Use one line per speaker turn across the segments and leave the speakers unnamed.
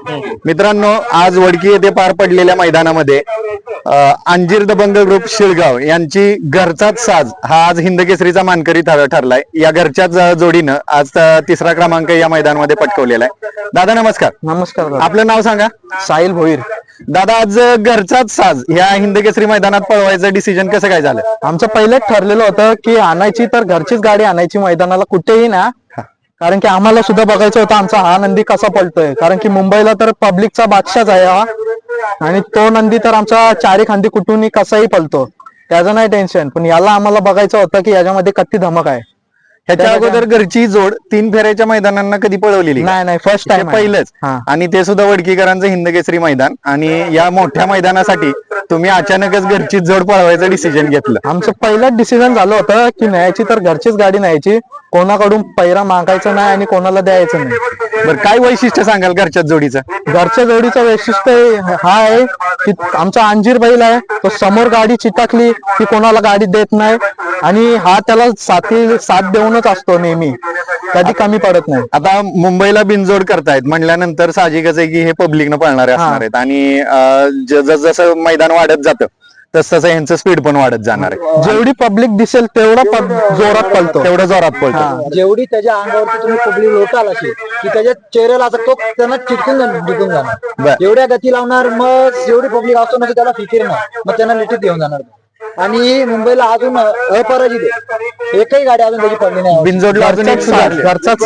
मित्रांनो, आज वडकी येथे पार पडलेल्या मैदानामध्ये अंजीर दबंग ग्रुप शिळगाव यांची घरचाच साज हा आज हिंदकेसरीचा मानकरी ठरलाय. या घरच्याच जोडीनं आज तिसरा क्रमांक या मैदानामध्ये पटकवलेला आहे. दादा नमस्कार.
नमस्कार.
आपलं नाव सांगा.
साहिल भोईर.
दादा, आज घरचाच साज ह्या हिंदकेसरी मैदानात पळवायचं डिसिजन कसं काय झालं?
आमचं पहिलेच ठरलेलं होतं की आणायची तर घरचीच गाडी आणायची मैदानाला कुठेही ना, कारण की आम्हाला सुद्धा बघायचं होतं आमचा हा नंदी कसा पळतोय. कारण की मुंबईला तर पब्लिकचा बादशाच आहे हा, आणि तो नंदी तर आमचा चारी खांदी कुठूनही कसाही पळतो, त्याचं नाही टेन्शन. पण याला आम्हाला बघायचं होतं की याच्यामध्ये किती धमक आहे.
ह्याच्या अगोदर घरची जोड 3 फेऱ्याच्या मैदानांना कधी पळवलेली?
नाही, फर्स्ट टाइम
पहिलंच. आणि ते सुद्धा वडकीकरांचं हिंदकेसरी मैदान, आणि या मोठ्या मैदानासाठी तुम्ही अचानकच घरची जोड पळवायचं डिसिजन घेतलं.
आमचं पहिलंच डिसिजन झालं होतं की न्यायची तर घरचीच गाडी न्यायची, कोणाकडून पैरा मागायचं नाही आणि कोणाला द्यायचं नाही.
बरं, काय वैशिष्ट्य सांगाल घरच्या जोडीचं?
घरच्या जोडीचं वैशिष्ट्य हा आहे की आमचा अंजीर बैल आहे, तो समोर गाडी चिटकली की कोणाला गाडी देत नाही, आणि हा त्याला साथ देऊनच असतो नेहमी, कधी कमी पडत नाही.
आता मुंबईला बिनजोड करतायत म्हणल्यानंतर साहजिकच आहे की हे पब्लिकनं पळणारे असणार आहेत, आणि जसं मैदान वाढत जातं तसं यांचं स्पीड पण वाढत जाणार आहे.
जेवढी पब्लिक दिसेल तेवढा जोरात पळतो,
तेवढं जोरात पळतो.
जेवढी त्याच्या अंगावरती तुम्ही पब्लिक लोटाल अशी की त्याच्या चेहऱ्याला असं तो त्यांना चिटकून जाणार. एवढ्या गती लावणार, मग जेवढी पब्लिक असतो ना त्याला फिकीर नाही, मग त्यांना लिटीत घेऊन जाणार. आणि मुंबईला अजून अपराजित आहे, एकही गाडी अजून त्याची पडली नाही.
बिनजोडला अजून एक
घरचाच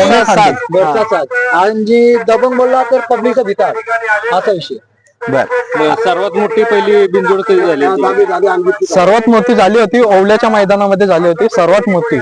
साथ. आणि दबंग बोलला तर पब्लिकचा भिकार, असा विषय.
सर्वात मोठी पहिली बिनजोड कधी झाली?
सर्वात मोठी झाली होती ओवल्याच्या मैदानामध्ये झाली होती, सर्वात मोठी.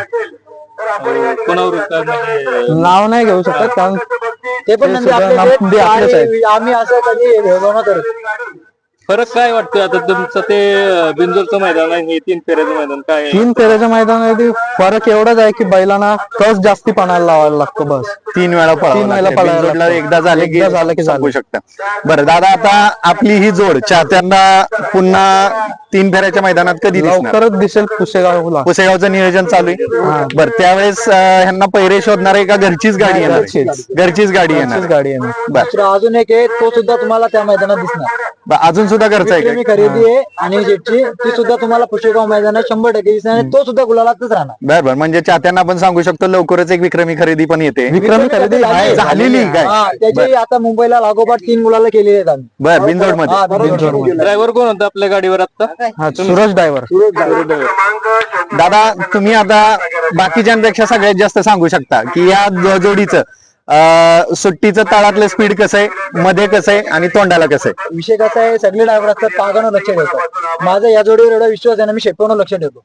कोणावर
नाव नाही घेऊ शकत, कारण
ते पण नंदी आपलेच आहेत. आम्ही असं कधी भेदभाव करत.
फरक काय वाटतोय आता तुमचं ते बिनजोडचं मैदान आणि हे 3 फेऱ्याचं मैदान काय?
3 फेऱ्याच्या मैदानामध्ये फरक एवढाच आहे की बैलांना कस जास्ती पणाला लावायला लागतो. बस
3 वेळा बिनजोडला एकदा झालं की सांगू शकता. बरं दादा, आता आपली ही जोड चाहत्यांना पुन्हा 3 फेऱ्याच्या मैदानात कधी
लवकरच दिसेल पुसेगावला.
पुसेगावचं नियोजन चालू आहे. बरं, त्यावेळेस ह्यांना पैरे शोधणार आहे का घरचीच गाडी येणार? घरचीच गाडी येणार.
बरं, अजून एक आहे, तो सुद्धा तुम्हाला त्या मैदानात दिसणार.
अजून सुद्धा घरचा आहे
खरेदी आहे, आणि जेटची ती सुद्धा तुम्हाला पुशेगाव मैदानात 100% दिसणार, आणि तो सुद्धा गुलालातच राहणार.
बरोबर, म्हणजे चाहत्यांना आपण सांगू शकतो लवकरच एक विक्रमी खरेदी पण येते.
विक्रमी खरेदी
झालेली काय?
त्याची आता मुंबईला लागोपाठ 3 गुलाला केलेली आहेत आम्ही.
बरं, बिनजोड मध्ये.
ड्रायव्हर कोण होता आपल्या गाडीवर आता?
सूरज ड्रायव्हर.
दादा, तुम्ही आता बाकीच्यांपेक्षा सगळ्यात जास्त सांगू शकता की या जोडीचं सुट्टीचं तळातलं स्पीड कसं आहे, मध्ये कसं आहे, आणि तोंडाला कसं आहे?
विषय कसा आहे, सगळे ड्रायव्हर असतात पागानं लक्ष ठेवतात. माझा या जोडीवर एवढा विश्वास आहे ना, मी शेपीवर लक्ष ठेवतो.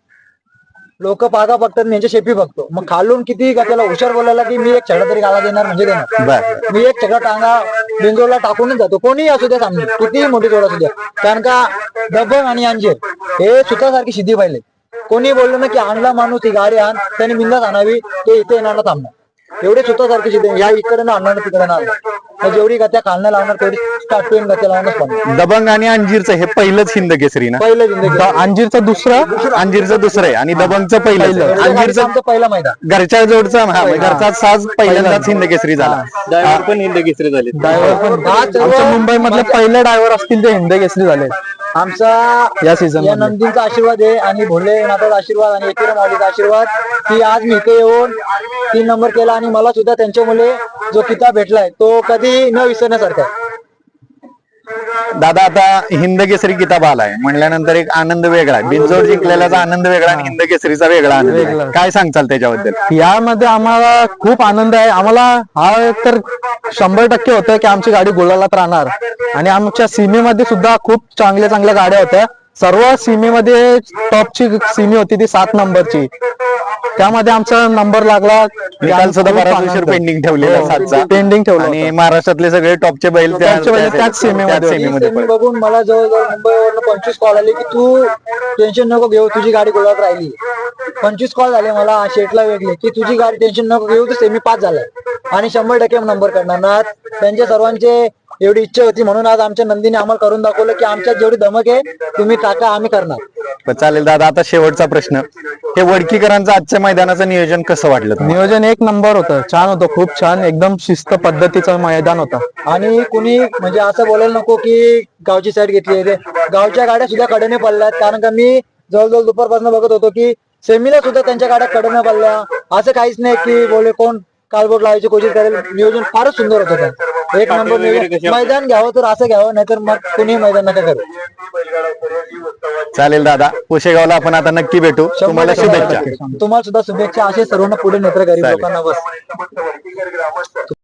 लोक पागा बघतात, मी यांच्या शेपी बघतो. मग खालून किती का त्याला हुशार बोलायला की मी एक छडा तरी गाला देणार म्हणजे देणार. मी एक छडा टांगा बिंजोरला टाकूनच जातो, कोणीही असू द्या सामने, कितीही मोठी जोड असू द्या. कारण का दबंग आणि अंजीर हे सुतासारखी सिद्धी पाहिले. कोणी बोललो ना की आणला माणूस ही गाडी आण, त्याने बिंदास आणावी, ते इथे येणार थांबणार. एवढे सुतासारखी सिद्धी, या इकडे ना आणणार तिकडे ना आणणार. जेवढी गत्या खालना लावणार तेवढी स्टार्ट टू एंड गत्या लावूनच पडणार.
दबंग आणि अंजीरचं हे पहिलंच हिंदकेसरी ना?
पहिलं जिंदगी.
अंजीरचं दुसरं
आहे आणि दबंगचं पहिलं.
अंजीरचं पहिला मैदान
घरच्या जोडचा घरचा साज पहिल्यांदाच हिंदकेसरी झाला.
ड्रायव्हर पण हिंदकेसरी झाले.
आमच्या मुंबईमधले पहिले ड्रायव्हर असतील ते हिंदकेसरी झाले.
आमचा
या सीझन
या नंदींचा आशीर्वाद आहे, आणि भोलेनाथाचा आशीर्वाद, आणि एकेरा माऊलीचा आशीर्वाद की आज मी इथे येऊन 3 नंबर केला, आणि मला सुद्धा त्यांच्यामुळे जो किताब भेटलाय तो कधी न विसरण्यासारखा आहे.
दादा, आता हिंदकेसरी किताब आलाय म्हणल्यानंतर एक आनंद वेगळा आहे. बिनजोड जिंकलेल्याचा आनंद वेगळा आणि हिंदकेसरीचा वेगळा आनंद. काय सांगचाल त्याच्याबद्दल?
यामध्ये आम्हाला खूप आनंद आहे. आम्हाला हा तर 100% होतं की आमची गाडी गुलालात राहणार, आणि आमच्या सीमेमध्ये सुद्धा खूप चांगल्या गाड्या होत्या. सर्व सीमेमध्ये टॉपची सीमी होती ती 7 नंबरची, त्यामध्ये आमचा नंबर लागला.
निकाल सुद्धा बराच पेंडिंग ठेवलेला, 7चा
पेंडिंग ठेवला,
आणि महाराष्ट्रातले सगळे टॉपचे बैल
त्याच सीमेमध्ये.
बघून मला जवळजवळ मुंबईवरून 25 कॉल आले की तू टेन्शन नको घेऊ, तुझी गाडी गुलाबात राहिली. 25 कॉल झाले मला शेटला वेगळे की तुझी गाडी टेन्शन नको घेऊ, तू सेमी 5 झालाय आणि 100% नंबर करणार ना. त्यांच्या सर्वांचे एवढी इच्छा होती, म्हणून आज आमच्या नंदीने आम्हाला करून दाखवलं की आमच्यात जेवढी धमक आहे तुम्ही टाका, आम्ही करणार.
चालेल दादा, आता शेवटचा प्रश्न, हे वडकीकरांचं आजच्या मैदानाचं नियोजन कसं वाटलं तुम्हाला?
नियोजन एक नंबर होतं, छान होतं, खूप छान, एकदम शिस्त पद्धतीचं मैदान होतं.
आणि कुणी म्हणजे असं बोलायला नको की गावची साईड घेतली आहे ते. गावच्या गाड्या सुद्धा कडेने पडल्यात, कारण का मी जवळजवळ दुपारपासून बघत होतो की सेमीला सुद्धा त्यांच्या गाड्या कडेने पडल्या. असं काहीच नाही की बोले कोण कालबोट लावायची कोशिश करेल. नियोजन फारच सुंदर होतं त्या. एक नंबर नियोजन. मैदान घ्यावं तर असं घ्यावं, नाहीतर मग कुणी मैदान नका करू.
चालेल दादा, पुशेगावला आपण आता नक्की भेटू, तुम्हाला शुभेच्छा.
तुम्हाला सुद्धा शुभेच्छा. असे सर्वांना पुढे नेत्र गरीब लोकांना बस.